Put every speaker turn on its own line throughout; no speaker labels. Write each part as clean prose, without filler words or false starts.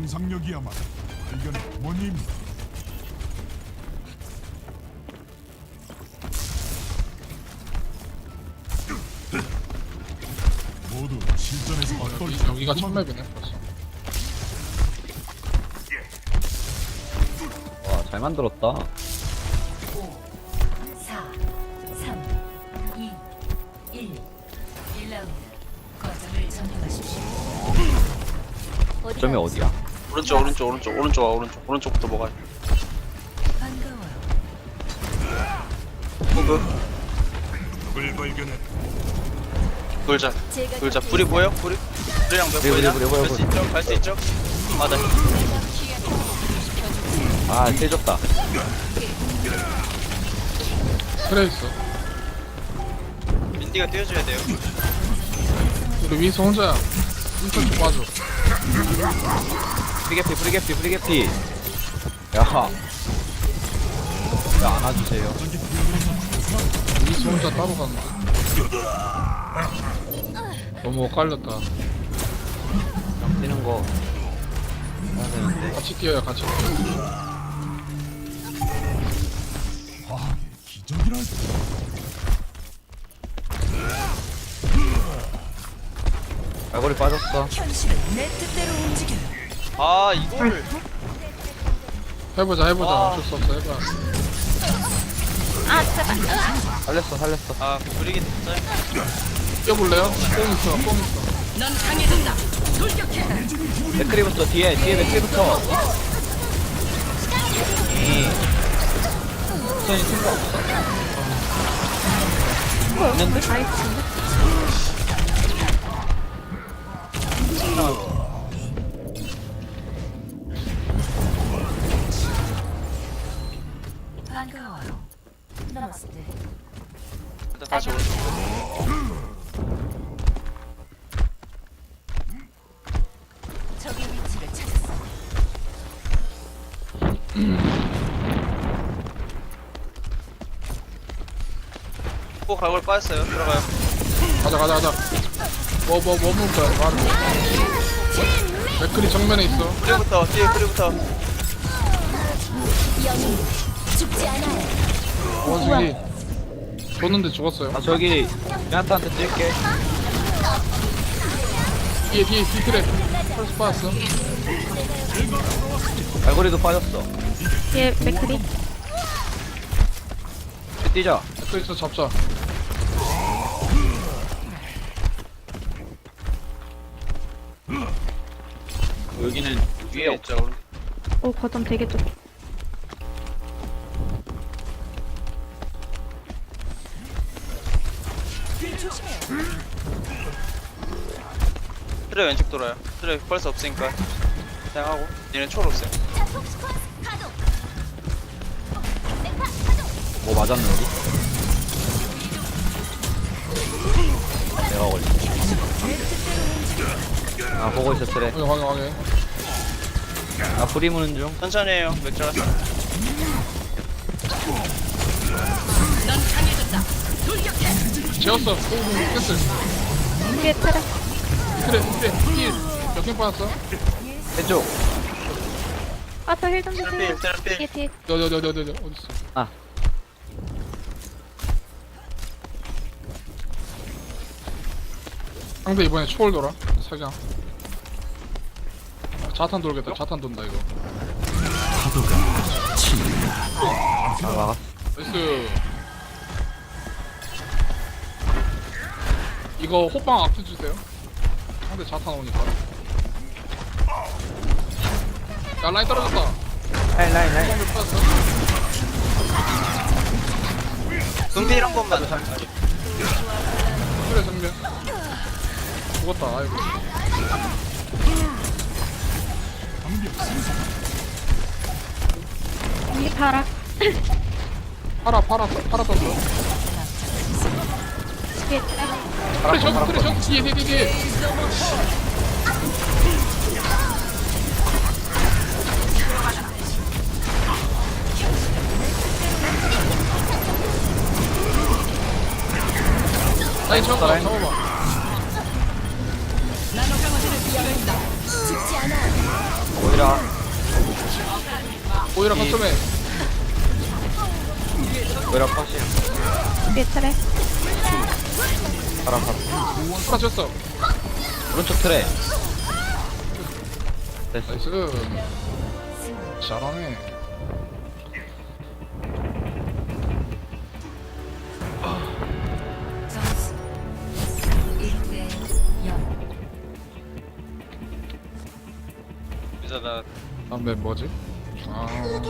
상상력이야말로 발견의 어머니입니다. 모두 실전에서 어떨지
여기가 천맵이네 벌써.
와, 잘 만들었다.
4, 3, 2, 1. 1라운드. 거점을 점령하십시오.
점이 어디야?
오른쪽부터 먹어요.
반가워요.
호그
누굴 발견해
돌자 불이 보여? 불이랑 몇 보이냐? 갈 수 있죠? 맞아.
아, 세졌다.
그래 있어.
민디가 뛰어줘야 돼요.
우리 윈스 혼자야. 인턴 좀 봐줘.
프리게피. 야. 야, 안아주세요.
윈스 혼자 따로 갔는데. 너무 엇갈렸다.
그냥 뛰는 거. 해야 되는데.
같이 뛰어요 같이.
과학의 기적이랄까.
갈고리 빠졌어.
현실은 내 뜻대로 움직여요.
아 이거를
해보자
아.
어쩔 수 없어 해봐.
살렸어.
아 불이기 됐어요.
뛰어볼래요? 뽕 있어.
맥크리부터 뒤에 맥크리부터. 선이 생각 없어. 있는데?
반가워요. 나마스테.
일단 다시 오른쪽.
적의 위치를 찾았어.
꼭 갈고리 빠졌어요. 들어가요.
가자. 뭐 먹을 거야? 바로. 맥클이 정면에 있어.
뒤에 불이부터.
영웅 죽지 않아요.
원숭이. 줬는데 죽었어요.
아, 저기 미나타한테 뛸게.
뒤에 뒤틀에. 펄스 빠졌어.
갈고리도 빠졌어.
얘 맥크리
뛰자.
맥클 있어 잡자.
여기는
위에
위에
있죠.
오 거점 되게 좁
트레 왼쪽 돌아요. 트레 벌써 없으니까 사용하고 얘는 초로 없어요.
뭐 맞았는지? 내가 걸려. 아, 보고 있어, 트레.
확인.
아, 불이 무는 중.
천천히 해요. 맥주라.
재웠어. 오 캔슬.
뒤에 트랙
트레. 몇개 빠졌어?
왼쪽.
아저 힐좀 주세요
트레필.
뒤에
어딨어?
아.
상대 이번에 초월 돌아. 사장. 자탄 돌겠다. 자탄 돈다 이거.
아, 막았어.
나이스. 이거 호빵 앞에 주세요. 상대 자탄 오니까. 야 라인 떨어졌다.
라인.
호빵 빠졌어.
금필 한 번만.
그래 정면. 죽었다. 아이고.
여기 파라
팔아 떴어.
뒤에 트랙
그래 저 뒤에. 라인 잡아봐.
죽지 않아.
오히려 모이라.
오히려 거점에
모이라 컷이.
뒤에 트랙.
바람 바람.
빠졌어.
오른쪽 트레. 됐어.
나이스. 잘하네.
점수 1대 0.
이제 나
다음에 뭐지? 아,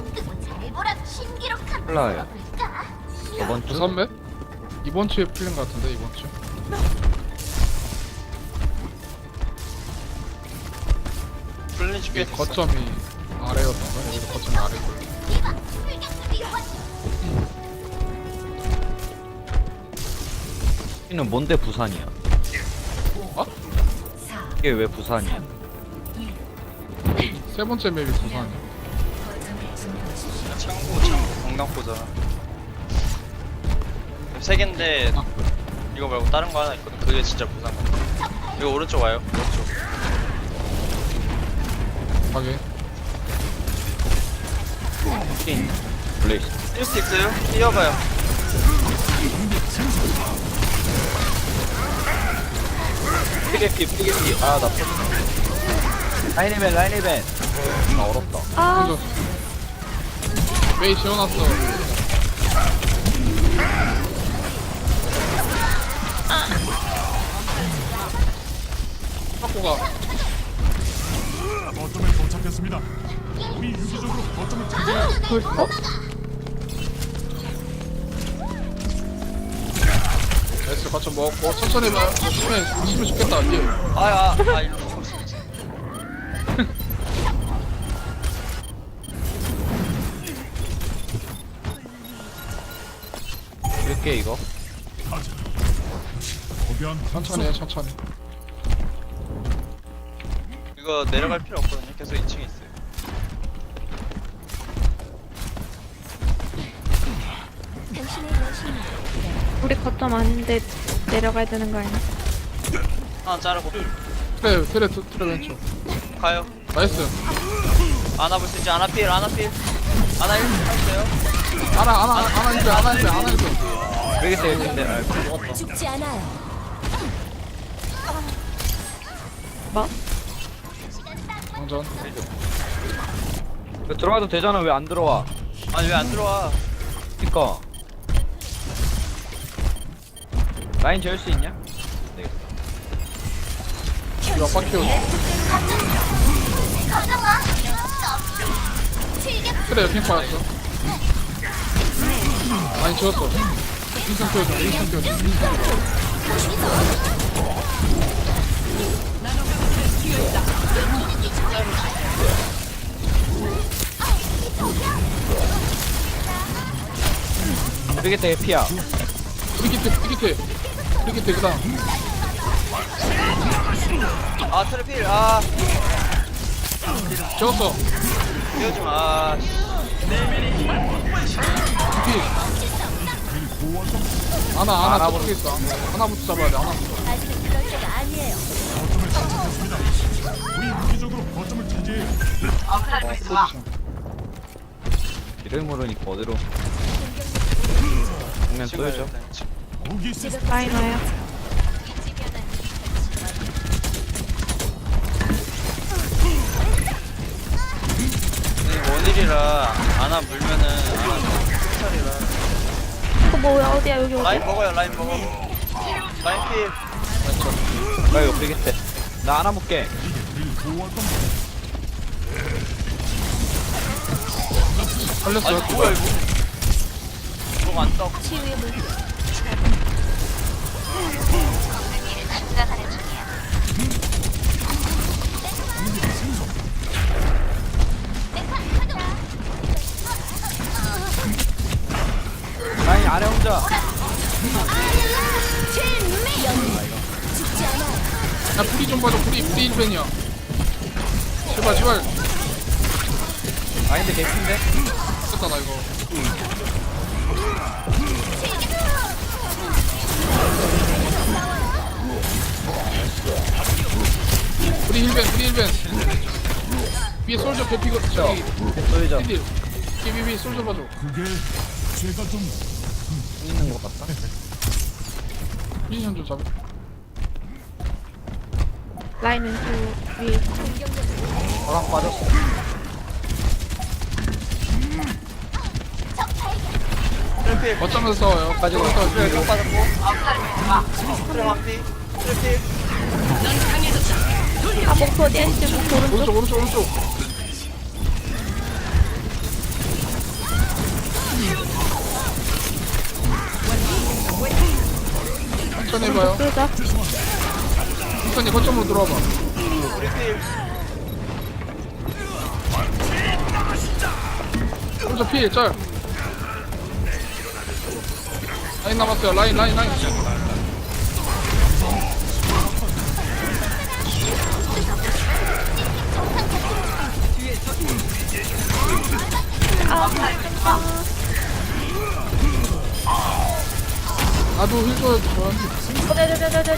플라요. 저번 주.
부산배? 이번 주에 풀린 것 같은데 이번 주.
플랜 준비해
이게 거점이 아래였던가? 여기도 거점이 아래고.
여기는 뭔데 부산이야?
어?
이게 왜 부산이야?
세 번째 맵이 부산이야.
창고 강남포잖아. 세 개인데 이거 말고 다른 거 하나 있거든. 그게 진짜 부산 거. 이거 오른쪽 와요. 오른쪽.
확인.
퀸. 블레이스.
뛸 수 있어요? 뛰어봐요.
피게피 피게피. 아 나. 라인이벤 라인이벤. 아 어렵다.
아,
혼자. 메이 지워놨어. 확보가.
거점에 도착했습니다. 우리 유기적으로 거점을 차지해.
나이스 거점 먹고 천천히 봐. 치면 죽겠다. 뒤에.
일로 쳐.
이렇게 이거.
가자. 거대한
천천히 해 천천히.
이거 내려갈 필요 없거든요. 계속 2층에 있어요.
우리 거점 아닌데 내려가야 되는 거 아니야?
하나 자르고
트레 왼쪽.
가요.
나이스.
아나 볼 수 있지? 아나 필. 아나 1킬 했어요.
하나 일배.
모르겠어 근데. 아 죽었다.
죽지 않아요.
뭐?
방전.
이거 들어가도 되잖아 왜 안 들어와?
아니 왜 안 들어와?
그니까. 라인 재울 수 있냐?
이거 빡키워. 그래 여긴 빠졌어. 많이 지웠어. 인상 키워줘.
모르겠다 피야.
프리기트 그다음.
아 트랩 필. 아
지웠어.
뛰어지 마.
피. 하나 저쪽에 있어. 하나부터 잡아야 돼. 하나부터.
아직은 그럴 때가 아니에요.
거점을 차지했습니다. 우리 유기적으로 거점을 차지해.
포지션.
이를 모르니까 어디로. 정면 쏘여줘.
무기 시스템
라인 와요.
원일이라 아나 물면은 아나 큰
어, 뭐야, 어디야, 여기 어디야?
라인 먹어요. 라인 먹어. 라인 필.
나 이거 모르겠대. 나 하나 볼게.
살렸어요.
아니 뭐야 이거? 이거 안 떠.
치유의 물결.
라인 아래 혼자.
죽지 않아요.
야 프리 좀 봐줘. 프리 1벤이야. 제발.
아닌데 개핀데?
됐다 나 이거. 프리 1벤. 위에 솔저 개피고 저기
쏠져
피디 비비비 솔저 봐줘.
그게 제가 좀
있는 것 같다.
미니언 좀 잡아.
라인 왼쪽 위에 있어.
바람 빠졌어.
트래필
어쩌면서 싸워요.
가지고
트래필
가지고.
빠졌고 트래 왕피 트래필
아 목표 어디야? 지금 목표 오른쪽.
오른쪽. 천천히 해봐요.
쏠자.
천천히 거점으로 들어와봐.
우리 필
솔저 필 짤. 라인 남았어요. 라인. 나도 힐 줘야 저한테.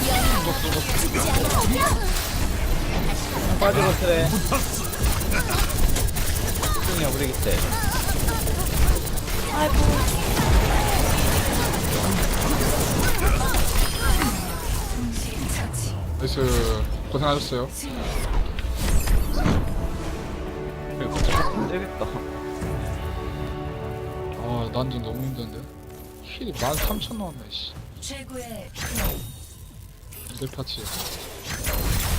빠지고 트레. 승이야 우리 기대.
아이고.
나이스. 고생하셨어요.
되겠다.
아, 난좀 너무 힘든데. 힐이 13,000 나왔네, 씨.
최고의
이들 파츠.